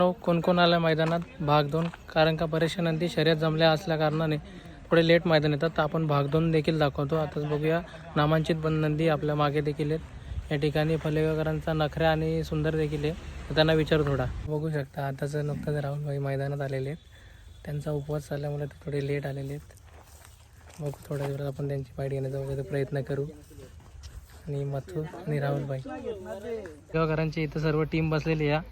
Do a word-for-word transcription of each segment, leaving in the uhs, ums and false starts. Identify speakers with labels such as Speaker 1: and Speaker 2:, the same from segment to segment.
Speaker 1: कोण कोण आलं मैदानात भाग दोन, कारण का बरेचशा नंदी शर्यत जमल्या असल्या कारणाने थोडे लेट मैदान येतात, तर आपण भाग दोन देखील दाखवतो. आताच बघूया नामांकित बन नंदी आपल्या मागे देखील आहेत. या ठिकाणी फलेगावकरांचा नखऱ्या आणि सुंदर देखील आहे, तर त्यांना विचारू थोडा. बघू शकता आताच नुकताच राहुलभाई मैदानात आलेले आहेत. त्यांचा उपवास झाल्यामुळे ते थोडे लेट आलेले आहेत. बघू थोड्या दिवसात आपण त्यांची पाईट घेण्याचा वगैरे प्रयत्न करू. आणि मथुर आणि राहुलभाई फलेगावकरांची इथं सर्व टीम बसलेली आहे.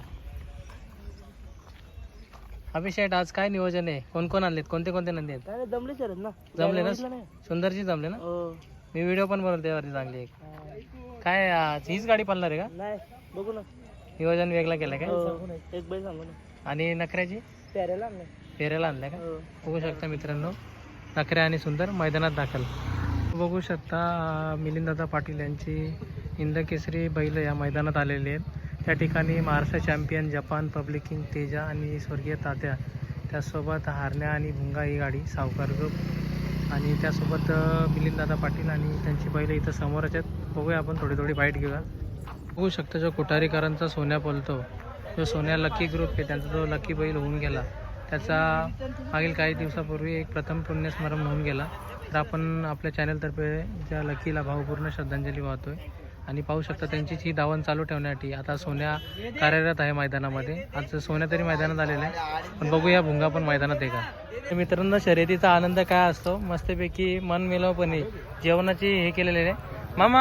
Speaker 1: अभिषेक आज काय नियोजन आहे? कोण कोण आणलेत? कोणते कोणते नंदी आहेत?
Speaker 2: जमले सर ना
Speaker 1: जमले ना? सुंदरची जमले ना? मी व्हिडिओ पण बनवतो त्यावरती चांगली एक. काय आज हीच गाडी पालणार आहे का?
Speaker 2: नाही बघू ना,
Speaker 1: नियोजन वेगळा केलं काय?
Speaker 2: एक बैल सांगू ना.
Speaker 1: आणि नखऱ्याची
Speaker 2: पेऱ्याला आणलं.
Speaker 1: फेऱ्याला आणल्या का? बघू शकता मित्रांनो, नखऱ्या आणि सुंदर मैदानात दाखल. बघू शकता मिलिंददादा पाटील यांची हिंद केसरी बैल या मैदानात आलेले आहेत. त्या ठिकाणी Maharashtra champion Japan public king Teja आणि स्वर्गीय तात्या, त्यासोबत हारण्या आणि भुंगा ही गाडी सावकार ग्रुप, आणि त्यासोबत मिलिंददादा पाटील आणि त्यांची बैल इथं समोरच आहेत. बघूया आपण थोडी थोडी बाईट घेऊया. बघू शकता जो कोठारीकरांचा सोन्या बोलतो, जो सोन्या लकी ग्रुप आहे, त्यांचा जो लकी बैल होऊन गेला, त्याचा मागील काही दिवसापूर्वी एक प्रथम पुण्यस्मरण होऊन गेला. तर आपण आपल्या चॅनलतर्फे ज्या लकीला भावपूर्ण श्रद्धांजली वाहतोय. आणि पाहू शकता त्यांचीच ही धावण चालू ठेवण्यासाठी आता सोन्या कार्यरत आहे मैदानामध्ये. आज सोन्या तरी मैदानात आलेला आहे, पण बघूया भुंगा पण मैदानात आहे का. मित्रांनो, शर्यतीचा आनंद काय असतो, मस्तपैकी मन मिळवपणे जेवणाची हे केलेले आहे. मामा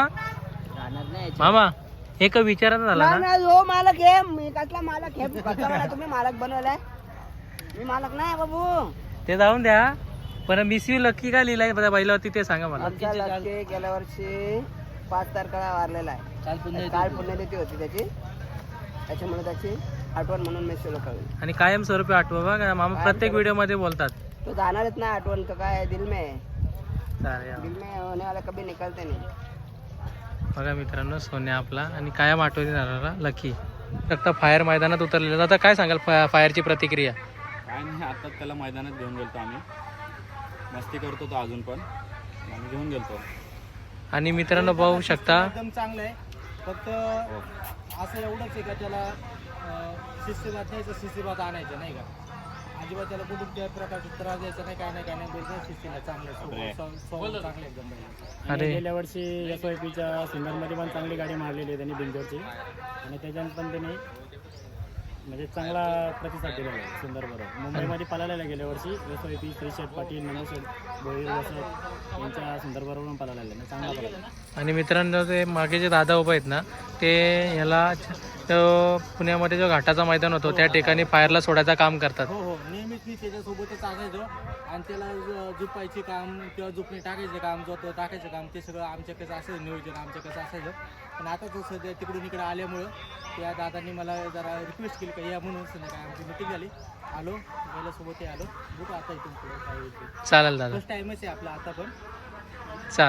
Speaker 1: मामा एक विचारायचं झाला ना,
Speaker 2: हो मालक आहे मी, कसला मालक आहे तुम्ही? मालक बनवलाय मी, मालक नाही बाबू.
Speaker 1: ते जाऊन द्या, पण मिस यू लकी काय लिहिलाय बैलावरती ते सांगा मला.
Speaker 2: गेल्या वर्षी पाच तारखेला वारलेला आहे. काल पुण्यतिथी होती त्याची, त्याच्यामुळे त्याची आठवण म्हणून मी सुरू करेल.
Speaker 1: आणि कायम स्वरूपी आठवा का मामा, प्रत्येक व्हिडिओ मध्ये बोलतात.
Speaker 2: तो जाणारच ना आठवण, तो काय दिल में
Speaker 1: चालेल,
Speaker 2: दिल में होने वाला कभी निकलते नाही.
Speaker 1: बघा मित्रांनो, सोन्या आपला आणि कायम आठवणी राहणारा लकी. फक्त फायर मैदानात उतरलेला. आता काय सांगाल फायरची प्रतिक्रिया?
Speaker 3: काय नाही, आता त्याला मैदानात घेऊन गेलतो आम्ही, मस्ती करतो तो अजून पण, आम्ही घेऊन गेलतो.
Speaker 1: आणि मित्रांनो बघू शकता,
Speaker 4: एकदम चांगलं आहे. फक्त असं एवढंच आहे का त्याला शिस्तीबात द्यायचं, शिस्तीबात आणायचं नाही का, अजिबात त्याला कुठून त्या प्रकारचा त्रास द्यायचा नाही, काय नाही काय नाही बोलतो. शिस्तीला चांगलं चांगले एकदम.
Speaker 1: अरे
Speaker 5: गेल्या वर्षी एस वाय पीच्या सिंगलमध्ये पण चांगली गाडी मारलेली आहे त्यांनी बिंजोरची, आणि त्याच्यात पण त्यांनी म्हणजे चांगला प्रतिसाद दिलेला आहे सुंदर बरोबर. मुंबईमध्ये पळालेला गेल्या वर्षी S Y P Shrisheth Patil, Nandsheth Bhoir वसत यांच्या सुंदर बरोबर पण पळालेला आहे, चांगला पळाला.
Speaker 1: आणि मित्रांनो, ते मागे जे दादा उभे आहेत ना, ते ह्याला तो पुण्यामध्ये जो घाटाचा मैदान होतो त्या ठिकाणी फायरला सोडायचं काम करतात.
Speaker 4: हो हो, नेहमीच मी त्याच्यासोबतच असायचो, आणि त्याला झुपायचे काम किंवा झुपणे टाकायचं काम, जो तो टाकायचं काम, ते सगळं आमच्याकडे असायचं नियोजन, आमच्याकडे असायचं. पण आता तो सध्या तिकडून इकडे आल्यामुळं त्या दादांनी मला जरा रिक्वेस्ट केली का या म्हणून. काय आमची मिटिंग झाली, आलो पहिल्यासोबत आलो. बघू आता इथून पुढे काय होतं.
Speaker 1: चालेल दादा,
Speaker 4: फर्स्ट टाइमच आहे आपला आता पण.
Speaker 1: चाल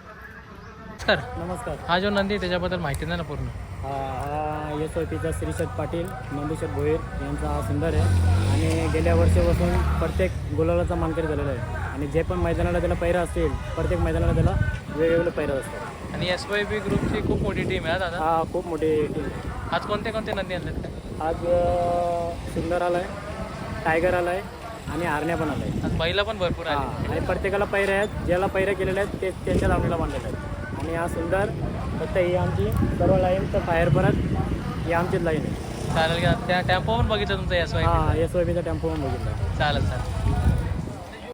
Speaker 1: सर.
Speaker 5: नमस्कार.
Speaker 1: हा जो नंदी त्याच्याबद्दल माहिती नाही ना पूर्ण?
Speaker 5: हा हा एस वाय पीचा श्रीशेठ पाटील, नंदशेठ भोईर यांचा हा सुंदर आहे, आणि गेल्या वर्षीपासून प्रत्येक गुलालाचा मानकरी झालेला आहे. आणि जे पण मैदानाला त्याला पैरा असतील, प्रत्येक मैदानाला त्याला वेगवेगळे पैरा असतात.
Speaker 1: आणि एस वाय पी ग्रुपची खूप मोठी टीम आहे दादा.
Speaker 5: हा खूप मोठी टीम.
Speaker 1: आज कोणते कोणते नंदी आणतात काय?
Speaker 5: आज सुंदर आला आहे, टायगर आला आहे, आणि आरण्या पण आला आहे.
Speaker 1: आज बैला पण भरपूर
Speaker 5: हा,
Speaker 1: आले.
Speaker 5: आणि प्रत्येकाला पैरे आहेत, ज्याला पैरे केलेले आहेत ते त्यांच्या लावणीला बांधलेले आहेत. आणि हा सुंदर फक्त ही आमची सर्व लाईन, तर फायर परत ही आमचीच लाईन आहे.
Speaker 1: चालेल का? त्या टेम्पो पण बघितलं तुमचा एस वाय?
Speaker 5: हा एस वाय पीचा टेम्पो पण बघितला.
Speaker 1: चालेल चालेल.